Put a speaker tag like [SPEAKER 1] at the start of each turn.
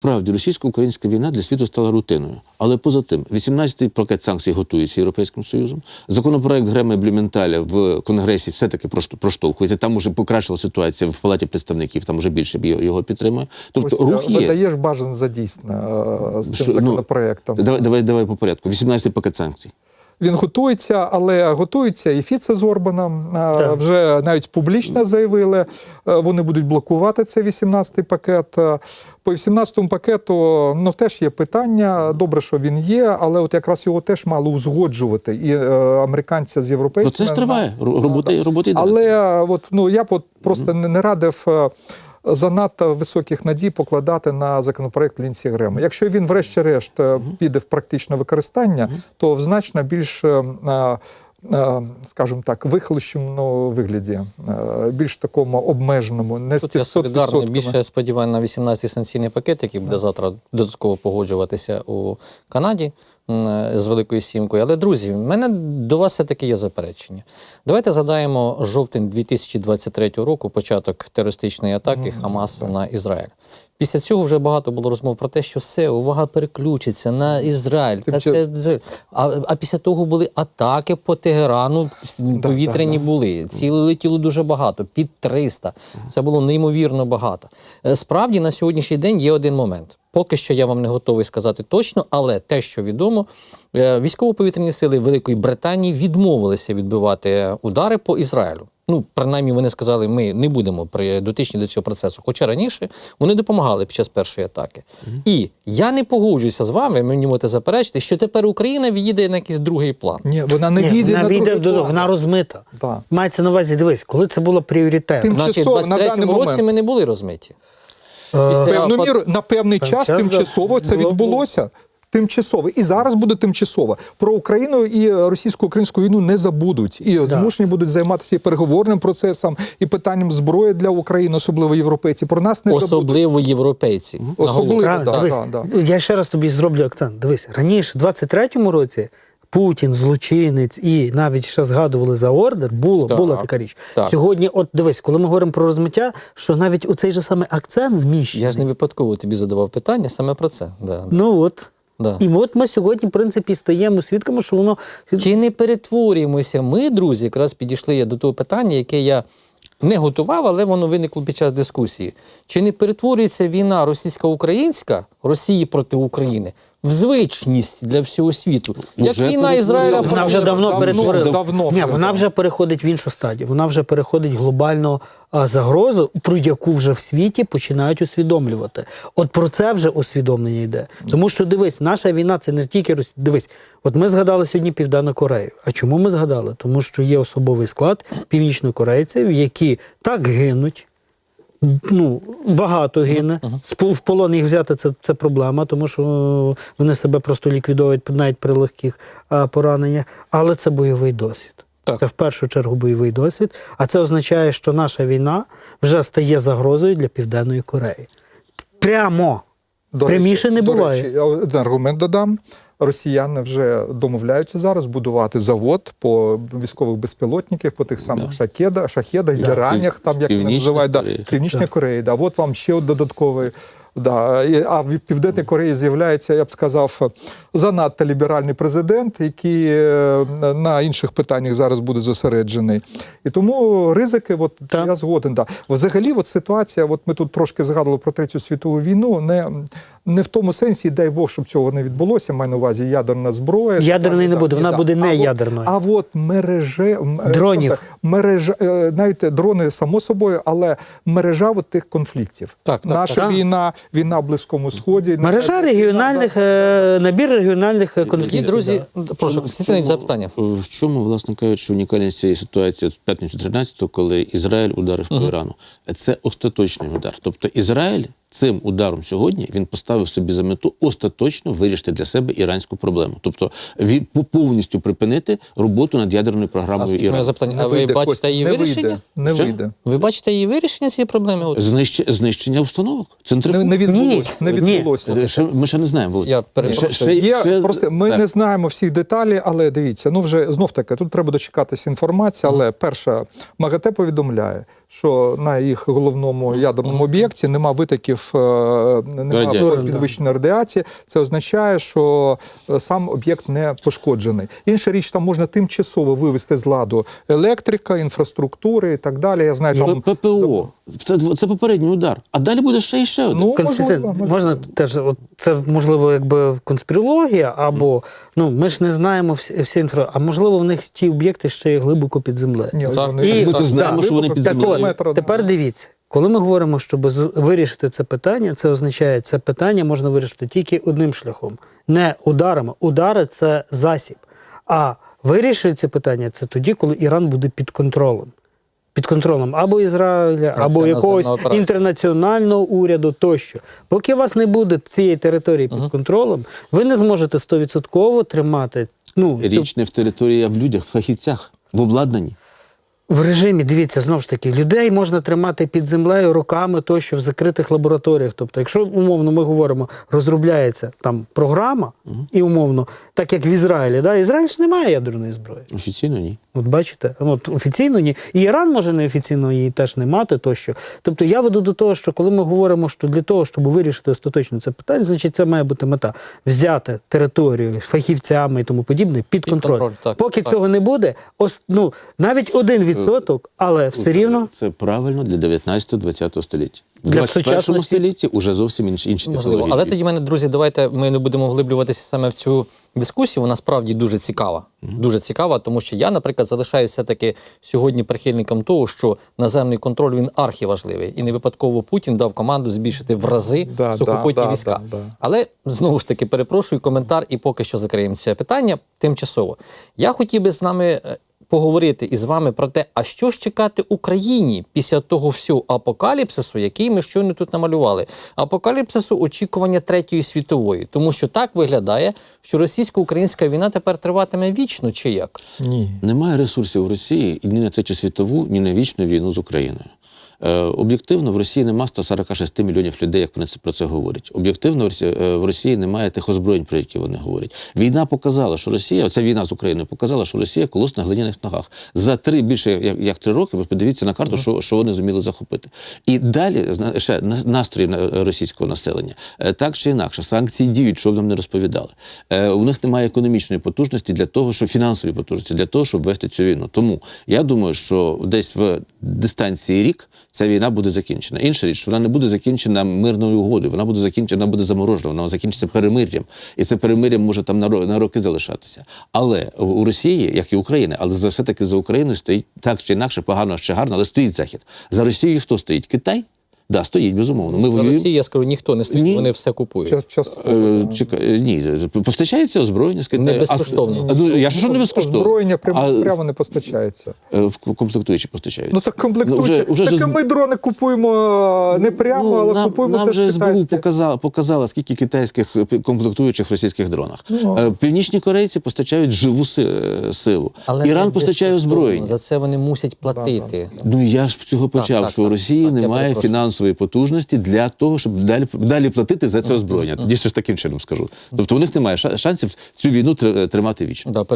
[SPEAKER 1] Справді, російсько-українська війна для світу стала рутиною. Але поза тим, 18-й пакет санкцій готується Європейським Союзом. Законопроект Грема і Блюменталя в Конгресі все-таки проштовхується. Там уже покращила ситуація в Палаті представників, там уже більше його підтримує. Тобто рух є.
[SPEAKER 2] Видаєш бажан за дійсно з цим законопроектом.
[SPEAKER 1] Давай по порядку. 18-й пакет санкцій.
[SPEAKER 2] Він готується, але готується і Фіце з Орбаном. Вже навіть публічно заявили, вони будуть блокувати цей 18-й пакет. По 18-му пакету теж є питання. Добре, що він є, але от якраз його теж мало узгоджувати. І американці з європейцями.
[SPEAKER 1] Процес триває. Робота йде.
[SPEAKER 2] Але я просто не радив занадто високих надій покладати на законопроект Лінсі Грема. Якщо він врешті-решт піде в практичне використання, то в значно більш, скажімо так, вихолощеному вигляді, більш такому обмеженому, не 100%.
[SPEAKER 3] Я солідарний, більше сподіваюся на 18-й санкційний пакет, який буде завтра додатково погоджуватися у Канаді з Великою Сімкою. Але, друзі, в мене до вас все-таки є заперечення. Давайте згадаємо жовтень 2023 року, початок терористичної атаки Хамас на Ізраїль. Після цього вже багато було розмов про те, що все, увага переключиться на Ізраїль. А після того були атаки по Тегерану, повітряні були. Цілі летіло дуже багато, під 300. Це було неймовірно багато. Справді, на сьогоднішній день є один момент. Поки що я вам не готовий сказати точно, але те, що відомо, військово-повітряні сили Великої Британії відмовилися відбивати удари по Ізраїлю. Принаймні, вони сказали, ми не будемо дотичні до цього процесу. Хоча раніше вони допомагали під час першої атаки. І я не погоджуюся з вами, мені можете заперечити, що тепер Україна відійде на якийсь другий план.
[SPEAKER 2] Ні, вона не відійде на другий план.
[SPEAKER 4] Вона розмита. Мається на увазі, дивись, коли це було пріоритетом.
[SPEAKER 3] Значить, в 23-му році ми не були розмиті.
[SPEAKER 2] На певний час тимчасово це відбулося. Тимчасово. І зараз буде тимчасово. Про Україну і російсько-українську війну не забудуть. І змушені будуть займатися і переговорним процесом, і питанням зброї для України, особливо європейці. Про нас не забудуть.
[SPEAKER 3] Особливо європейці.
[SPEAKER 4] Я ще раз тобі зроблю акцент. Дивись, раніше, в 23-му році, Путін, злочинець, і навіть ще згадували за ордер, була така річ. Сьогодні, от дивись, коли ми говоримо про розмиття, що навіть у цей же саме акцент зміщений.
[SPEAKER 3] Я ж не випадково тобі задавав питання саме про це.
[SPEAKER 4] І от ми сьогодні, в принципі, стаємо свідками, що воно...
[SPEAKER 3] Чи не перетворюємося? Ми, друзі, якраз підійшли до того питання, яке я не готував, але воно виникло під час дискусії. Чи не перетворюється війна російсько-українська, Росії проти України, в звичність для всього світу? Як війна Ізраїля...
[SPEAKER 4] Вона вже давно перетворила. Вона вже переходить в іншу стадію. Вона вже переходить глобальну загрозу, про яку вже в світі починають усвідомлювати. От про це вже усвідомлення йде. Тому що, дивись, наша війна – це не тільки Росія. Дивись, от ми згадали сьогодні Південну Корею. А чому ми згадали? Тому що є особовий склад північнокорейців, які так гинуть, багато гине. В полон їх взяти – це проблема, тому що вони себе просто ліквідують навіть при легких пораненнях. Але це бойовий досвід. Це в першу чергу бойовий досвід. А це означає, що наша війна вже стає загрозою для Південної Кореї. Прямо. Пряміше не буває.
[SPEAKER 2] До речі, я один аргумент додам. Росіяни вже домовляються зараз будувати завод по військових безпілотниках, по тих самих шахедах, геранях, там, як вони називають, Північній Кореї. От вам ще додатковий. А в Південній Кореї з'являється, я б сказав, занадто ліберальний президент, який на інших питаннях зараз буде зосереджений. І тому ризики, я згоден. Взагалі, ситуація, ми тут трошки згадували про Третю світову війну, не в тому сенсі, дай Бог, щоб цього не відбулося, маю на увазі ядерна зброя.
[SPEAKER 4] Ядерної не буде, вона буде не ядерною.
[SPEAKER 2] А
[SPEAKER 4] дронів.
[SPEAKER 2] Навіть дрони, само собою, але мережа тих конфліктів. Наша війна в Близькому Сході.
[SPEAKER 4] Мережа регіональних, набір регіональних конфліктів.
[SPEAKER 3] Друзі, прошу, Константин, запитання.
[SPEAKER 1] В чому, власне кажучи, унікальність цієї ситуації в п'ятницю 13-го, коли Ізраїль ударив по Ірану? Це остаточний удар. Тобто Ізраїль цим ударом сьогодні він поставив собі за мету остаточно вирішити для себе іранську проблему. Тобто повністю припинити роботу над ядерною програмою Ірану.
[SPEAKER 3] А ви бачите її вирішення?
[SPEAKER 2] Не вийде.
[SPEAKER 3] Ви бачите її вирішення цієї проблеми?
[SPEAKER 1] Знищення установок.
[SPEAKER 2] Не відбулося.
[SPEAKER 1] Ми ще не знаємо, Володь.
[SPEAKER 3] Я перепрошую.
[SPEAKER 2] Ми не знаємо всіх деталей, але дивіться, вже знов-таки, тут треба дочекатися інформації, але перша, МАГАТЕ повідомляє, що на їх головному ядерному об'єкті нема витоків, нема
[SPEAKER 1] Радіації.
[SPEAKER 2] підвищеної радіації. Це означає, що сам об'єкт не пошкоджений. Інша річ, там можна тимчасово вивести з ладу електрика, інфраструктури і так далі. Я знаю, там
[SPEAKER 1] ППО. Це попередній удар. А далі буде ще і ще один.
[SPEAKER 2] Ну,
[SPEAKER 4] Константин, можна теж, от це можливо якби конспірологія, або ми ж не знаємо всі інфра, а можливо в них ті об'єкти ще є глибоко під землею.
[SPEAKER 2] Ні,
[SPEAKER 3] Так.
[SPEAKER 2] вони-
[SPEAKER 1] Ми це знаємо, що вони під
[SPEAKER 4] Так
[SPEAKER 1] землею.
[SPEAKER 4] от, тепер дивіться, коли ми говоримо, щоб вирішити це питання, це означає, це питання можна вирішити тільки одним шляхом. Не ударами. Удари – це засіб. А вирішити це питання – це тоді, коли Іран буде під контролем. Під контролем або Ізраїля, або якогось інтернаціонального уряду тощо. Поки у вас не буде цієї території під контролем, ви не зможете 100% тримати
[SPEAKER 1] Річ не в території, а в людях, в фахівцях, в обладнанні.
[SPEAKER 4] в режимі, дивіться, знову ж таки, людей можна тримати під землею роками тощо в закритих лабораторіях. Тобто, якщо, умовно, ми говоримо, розробляється там програма, і умовно, так як в Ізраїлі, да? Ізраїль ж не має ядерної зброї.
[SPEAKER 1] Офіційно ні.
[SPEAKER 4] От бачите, от офіційно ні. І Іран може неофіційно її теж не мати тощо. Тобто я веду до того, що коли ми говоримо, що для того, щоб вирішити остаточно це питання, значить це має бути мета. Взяти територію фахівцями і тому подібне під контроль.
[SPEAKER 3] Так,
[SPEAKER 4] Поки
[SPEAKER 3] так.
[SPEAKER 4] цього не буде, навіть 1%, але все рівно...
[SPEAKER 1] Це правильно для 19-20 століття. В
[SPEAKER 4] Для
[SPEAKER 1] 21
[SPEAKER 4] сучасності-
[SPEAKER 1] столітті вже зовсім інші
[SPEAKER 3] Можливо.
[SPEAKER 1] технології.
[SPEAKER 3] Але тоді, мене, друзі, давайте ми не будемо вглиблюватися саме в цю дискусію. Вона справді дуже цікава. Дуже цікава, тому що я, наприклад, залишаюся все-таки сьогодні прихильником того, що наземний контроль, він архіважливий. І не випадково Путін дав команду збільшити в рази сухопутні війська. Але, знову ж таки, перепрошую, коментар, і поки що закриємо це питання тимчасово. Я хотів би з нами поговорити із вами про те, а що ж чекати Україні після того всього апокаліпсису, який ми щойно тут намалювали. Апокаліпсису очікування Третьої світової. Тому що так виглядає, що російсько-українська війна тепер триватиме вічно, чи як?
[SPEAKER 2] Ні.
[SPEAKER 1] Немає ресурсів в Росії ні на Третю світову, ні на вічну війну з Україною. Об'єктивно, в Росії нема 146 мільйонів людей, як вони про це говорять. Об'єктивно, в Росії немає тих озброєнь, про які вони говорять. Війна показала, що Росія, оця війна з Україною показала, що Росія колос на глиняних ногах. За більше як 3 роки, ви подивіться на карту, що вони зуміли захопити. І далі, ще настрої російського населення. Так чи інакше, санкції діють, що б нам не розповідали. У них немає економічної потужності для того, що фінансової потужності для того, щоб вести цю війну. Тому я думаю, що десь в дистанції рік ця війна буде закінчена. Інша річ, вона не буде закінчена мирною угодою, вона буде закінчена, вона буде заморожена, вона закінчиться перемир'ям. І це перемир'я може там на роки залишатися. Але у Росії, як і Україна, але все-таки за Україною стоїть так чи інакше, погано чи гарно, але стоїть Захід. За Росією хто стоїть? Китай? Да, стоїть, безумовно. Ми
[SPEAKER 3] За Росії, я скажу, ніхто не стоїть, вони все купують.
[SPEAKER 1] Ні, постачається озброєння з Китаю.
[SPEAKER 3] Не безкоштовно.
[SPEAKER 1] Я ж що не безкоштовно?
[SPEAKER 2] Озброєння прямо не постачається.
[SPEAKER 1] Комплектуючі постачаються.
[SPEAKER 2] Ну так комплектуючі. Так ми дрони купуємо не прямо, але купуємо
[SPEAKER 1] нам
[SPEAKER 2] теж
[SPEAKER 1] вже СБУ
[SPEAKER 2] китайські.
[SPEAKER 1] показала, скільки китайських комплектуючих в російських дронах. Північні корейці постачають живу силу.
[SPEAKER 3] Але
[SPEAKER 1] Іран
[SPEAKER 3] не
[SPEAKER 1] постачає
[SPEAKER 3] безкоштовно.
[SPEAKER 1] озброєння.
[SPEAKER 3] За це вони мусять платити.
[SPEAKER 1] Ну я ж з цього почав, що у Росії
[SPEAKER 3] я
[SPEAKER 1] немає
[SPEAKER 3] перепрошую.
[SPEAKER 1] фінансової потужності для того, щоб далі платити за це озброєння. Тоді ще ж таким чином скажу. Тобто у них немає шансів цю війну тримати вічно.
[SPEAKER 3] Да,